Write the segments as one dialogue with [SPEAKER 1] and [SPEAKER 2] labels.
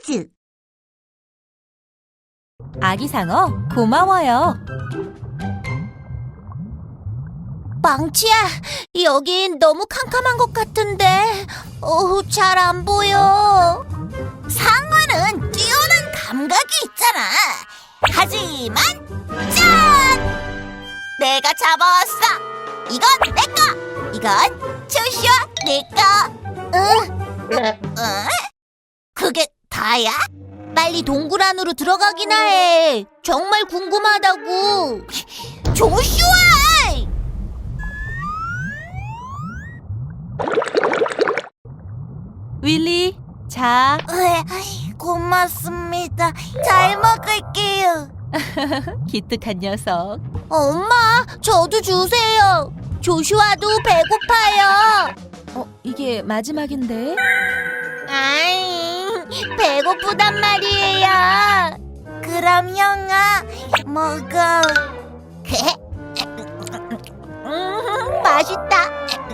[SPEAKER 1] 퀴즈.
[SPEAKER 2] 아기 상어 고마워요.
[SPEAKER 1] 망치야, 여긴 너무 캄캄한 것 같은데 잘 안 보여. 상어는 뛰어난 감각이 있잖아. 하지만 짠! 내가 잡아왔어. 이건 내 거. 이건 조슈아 내 거. 그게 다야? 빨리 동굴 안으로 들어가기나 해. 정말 궁금하다고. 조슈아!
[SPEAKER 2] 윌리, 자.
[SPEAKER 1] 고맙습니다. 잘 먹을게요.
[SPEAKER 2] 기특한 녀석.
[SPEAKER 1] 엄마, 저도 주세요. 조슈아도 배고파요.
[SPEAKER 2] 이게 마지막인데?
[SPEAKER 1] 아이, 배고프단 말이에요. 그럼 형아, 먹어. 맛있다.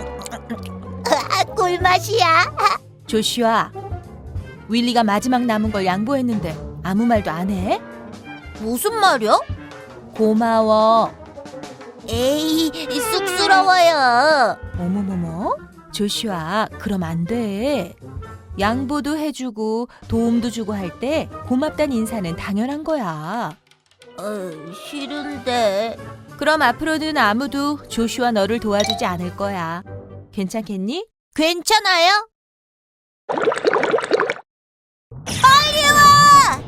[SPEAKER 1] 꿀맛이야.
[SPEAKER 2] 조슈아, 윌리가 마지막 남은 걸 양보했는데 아무 말도 안 해?
[SPEAKER 1] 무슨 말이야?
[SPEAKER 2] 고마워.
[SPEAKER 1] 에이, 쑥스러워요.
[SPEAKER 2] 어머머머, 조슈아, 그럼 안 돼. 양보도 해주고 도움도 주고 할 때 고맙단 인사는 당연한 거야.
[SPEAKER 1] 싫은데.
[SPEAKER 2] 그럼 앞으로는 아무도 조슈아 너를 도와주지 않을 거야. 괜찮겠니?
[SPEAKER 1] 괜찮아요? 빨리 와!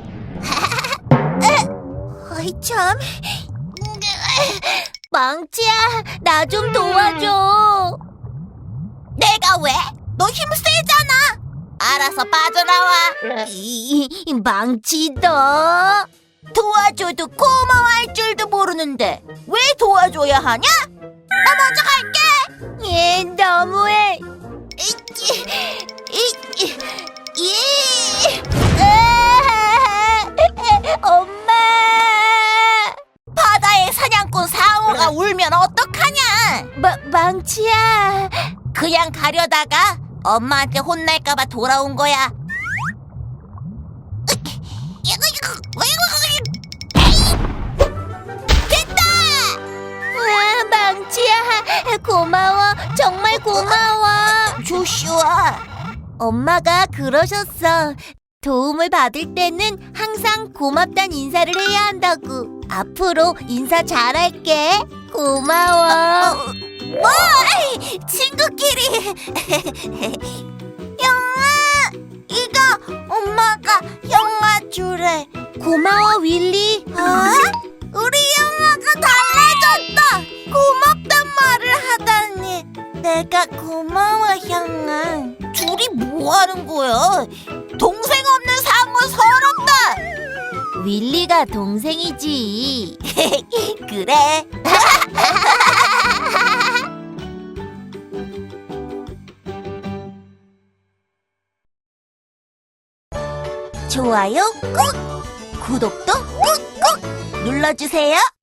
[SPEAKER 1] 어이 참. 망치야, 나 좀 도와줘. 내가 왜? 너 힘 세잖아. 알아서 빠져나와. 망치 너. 도와줘도 고마워할 줄도 모르는데 왜 도와줘야 하냐? 나 먼저 갈게. 얘 너무해. 엄마! 바다의 사냥꾼 상어가 울면 어떡하냐? 망치야. 그냥 가려다가 엄마한테 혼날까봐 돌아온 거야. 됐다! 망치야, 고마워. 정말 고마워. 조슈아, 엄마가 그러셨어. 도움을 받을 때는 항상 고맙단 인사를 해야 한다고. 앞으로 인사 잘할게. 고마워. 뭐? 친구끼리. 형아, 이거 엄마가 형아 주래. 고마워, 윌리. 우리 형아가 달라졌다. 고맙단 말을 하다니. 내가 고마워, 형아. 둘이 뭐 하는 거야? 동생 없는 상어 서럽다. 윌리가 동생이지. 그래. 좋아요 꾹, 구독도 꾹꾹 눌러주세요.